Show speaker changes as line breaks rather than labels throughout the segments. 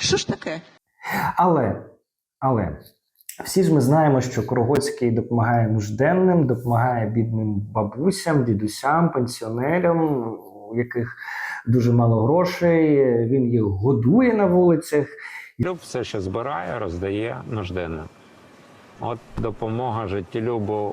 Що ж таке?
Але всі ж ми знаємо, що Корогоцький допомагає нужденним, допомагає бідним бабусям, дідусям, пенсіонерам, у яких дуже мало грошей, він їх годує на вулицях.
Люб все, що збирає, роздає нужденним. От допомога життєлюбу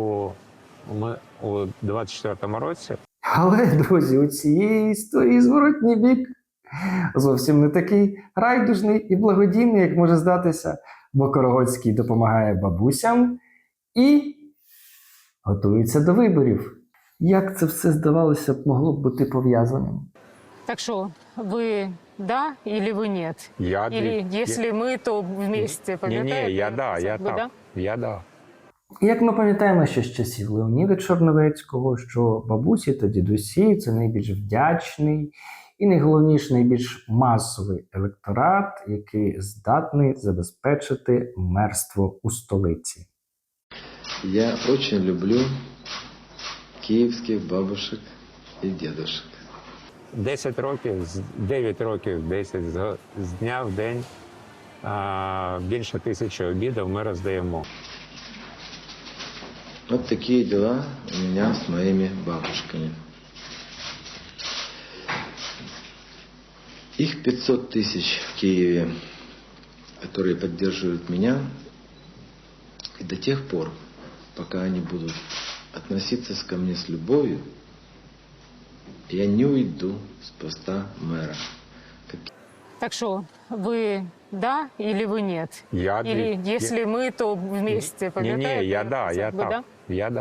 у 24-му році.
Але, друзі, у цієї історії зворотній бік зовсім не такий райдужний і благодійний, як може здатися, бо Корогоцький допомагає бабусям і готується до виборів. Як це все, здавалося б, могло б бути пов'язаним?
Так что, вы да или вы нет? Или если мы, то вместе, пам'ятаєте?
Ні, я да.
Як ми пам'ятаємо ще з часів Леоніда Чорновецького, що бабусі та дідусі – це найбільш вдячний і найголовніше, найбільш масовий електорат, який здатний забезпечити мерство у столиці.
Я очень люблю київських бабушек і дідушек.
10 років, 9 років, 10 з дня в день більше 1000 обідів ми роздаємо.
Вот такие дела у меня с моими бабушками. Их 500 тысяч в Киеве, которые поддерживают меня. И до тех пор, пока они будут относиться ко мне с любовью, я не уйду с поста мэра.
Так что, вы да или вы нет? Или если мы, то вместе, пам'ятаєте?
Ні, я да.